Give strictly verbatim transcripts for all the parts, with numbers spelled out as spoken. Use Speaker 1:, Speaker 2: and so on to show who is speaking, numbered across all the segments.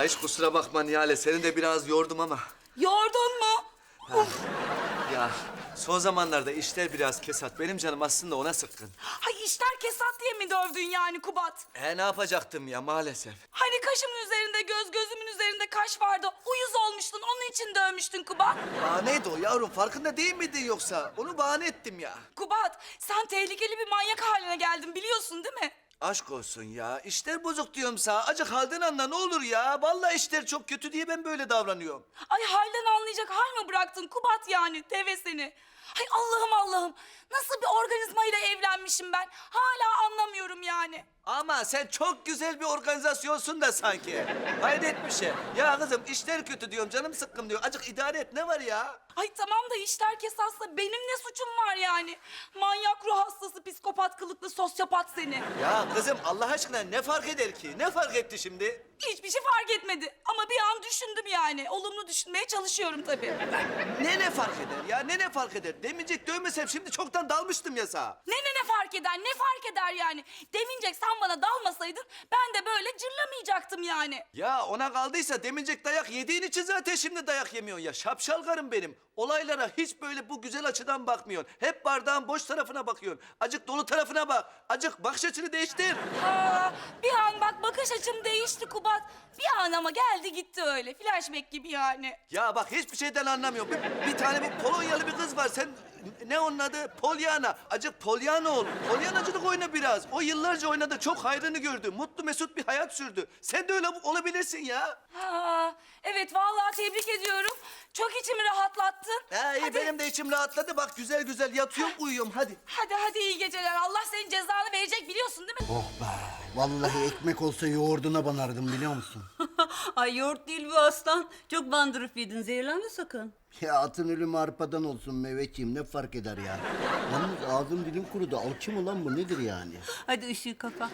Speaker 1: hiç kusura bakma Nihale. Seni de biraz yordum ama.
Speaker 2: Yordun mu? Uf.
Speaker 1: Ya son zamanlarda işler biraz kesat. Benim canım aslında ona sıkkın.
Speaker 2: Hay işler kesat diye mi dövdün yani Kubat?
Speaker 1: E ne yapacaktım ya maalesef.
Speaker 2: Hani kaşımın üzerinde göz, gözümün üzerinde kaş vardı. Uyuz olmuştun, onun için dövmüştün Kubat.
Speaker 1: Bahaneydi o yavrum. Farkında değil miydin yoksa? Onu bahane ettim ya.
Speaker 2: Kubat, sen tehlikeli bir manyak haline geldin biliyorsun değil mi?
Speaker 1: Aşk olsun ya. İşler bozuk diyorum sana. Acık halden anla ne olur ya. Vallahi işler çok kötü diye ben böyle davranıyorum.
Speaker 2: Ay halden anlayacak hal mi bıraktın Kubat yani teve seni? Hay Allah'ım Allah'ım. Nasıl bir organizmayla evlenmişim ben? Hala anlamıyorum yani.
Speaker 1: Ama sen çok güzel bir organizasyonsun da sanki. Hayret bir şey. Ya kızım işler kötü diyorum, canım sıkkın diyor. Acık idare et, ne var ya?
Speaker 2: Ay tamam da işler kesatsa benim ne suçum var yani? Manyak ruh hastası, psikopat kılıklı sosyopat seni.
Speaker 1: Ya kızım Allah aşkına ne fark eder ki? Ne fark etti şimdi?
Speaker 2: Hiçbir şey fark etmedi. Ama bir an düşündüm yani. Olumlu düşünmeye çalışıyorum tabii.
Speaker 1: Ne ne fark eder ya? Ne ne fark eder? Demeyecek dövmesem şimdi çoktan dalmıştım ya sağa.
Speaker 2: Ne ne ne fark eder? Ne fark eder yani? Demincek sen bana dalmasaydın ben de böyle cırlamayacaktım yani.
Speaker 1: Ya ona kaldıysa demincek dayak yediğin için zaten şimdi dayak yemiyorsun ya. Şapşal karım benim. Olaylara hiç böyle bu güzel açıdan bakmıyorsun. Hep bardağın boş tarafına bakıyorsun. Acık dolu tarafına bak. Acık bakış açını değiştir.
Speaker 2: Ha, bir an bak bakış açım değişti Kubat. Bir an ama geldi gitti öyle. Flashback gibi yani.
Speaker 1: Ya bak hiçbir şeyden anlamıyorum. Bir, bir tane bir Polonyalı bir kız var. Sen ne onun adı? Polyana. Acık Polyana ol. Polyanacılık oyna biraz. O yıllarca oynadı. Çok hayrını gördü. Mutlu mesut bir hayat sürdü. Sen de öyle olabilirsin ya.
Speaker 2: Ha, evet vallahi tebrik ediyorum. Çok içimi rahatlattın.
Speaker 1: Ha, iyi
Speaker 2: Hadi.
Speaker 1: benim de içim rahatladı. Bak güzel güzel yatıyorum uyuyorum hadi.
Speaker 2: Hadi hadi iyi geceler. Allah senin cezanı verecek biliyorsun değil mi?
Speaker 3: Oh be. Vallahi ekmek olsa yoğurduna banardım biliyor musun?
Speaker 4: Ay yoğurt değil bu aslan. Çok bandırıp yedin. Zehirlenme sakın.
Speaker 3: Ya atın ölümü arpadan olsun Mehmetciğim ne fark eder ya? Yalnız ağzım dilim kurudu. Alçı mı lan bu nedir yani?
Speaker 4: Hadi ışığı kapa.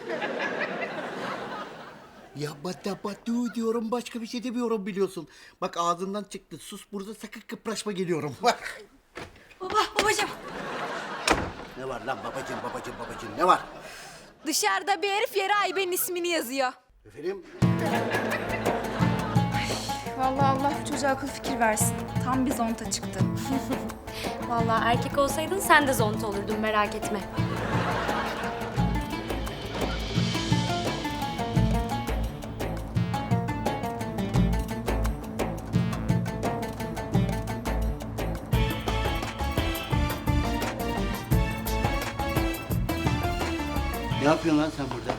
Speaker 3: Ya bata batu diyorum başka bir şey demiyorum biliyorsun. Bak ağzından çıktı. Sus burada sakın kıpraşma geliyorum. Bak.
Speaker 5: Baba, babacığım.
Speaker 3: Ne var lan babacığım babacığım babacığım ne var?
Speaker 5: Dışarıda bir herif yere Ayben'in ismini yazıyor.
Speaker 3: Efendim?
Speaker 6: Vallahi Allah bu çocuğa akıl fikir versin. Tam bir zonta çıktı.
Speaker 7: Vallahi erkek olsaydın sen de zonta olurdun merak etme.
Speaker 3: Ne yapıyorsun lan sen burada?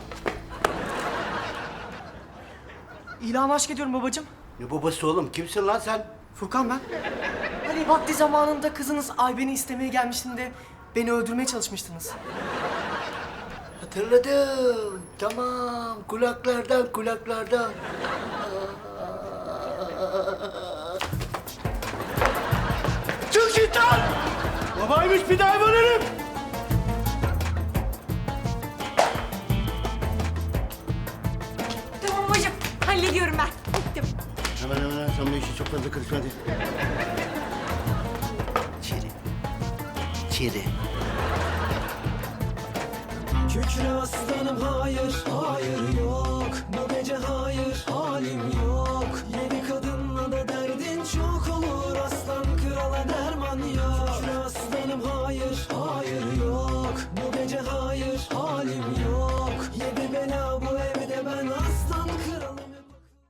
Speaker 8: İlan aşk ediyorum babacığım.
Speaker 3: Ne babası oğlum? Kimsin lan sen?
Speaker 8: Furkan ben. Hani vakti zamanında kızınız Ayben'i istemeye gelmiştin de beni öldürmeye çalışmıştınız.
Speaker 3: Hatırladım. Tamam. Kulaklardan kulaklardan. Çık git lan! Babaymış bir daha bölürüm.
Speaker 5: Tamam babacığım, hallediyorum ben. Gittim.
Speaker 3: Hemen hemen sen bu işi çok fazla karışma hadi. İçeri. İçeri.
Speaker 9: Kükre aslanım hayır, hayır yok. Bu gece hayır, hayır.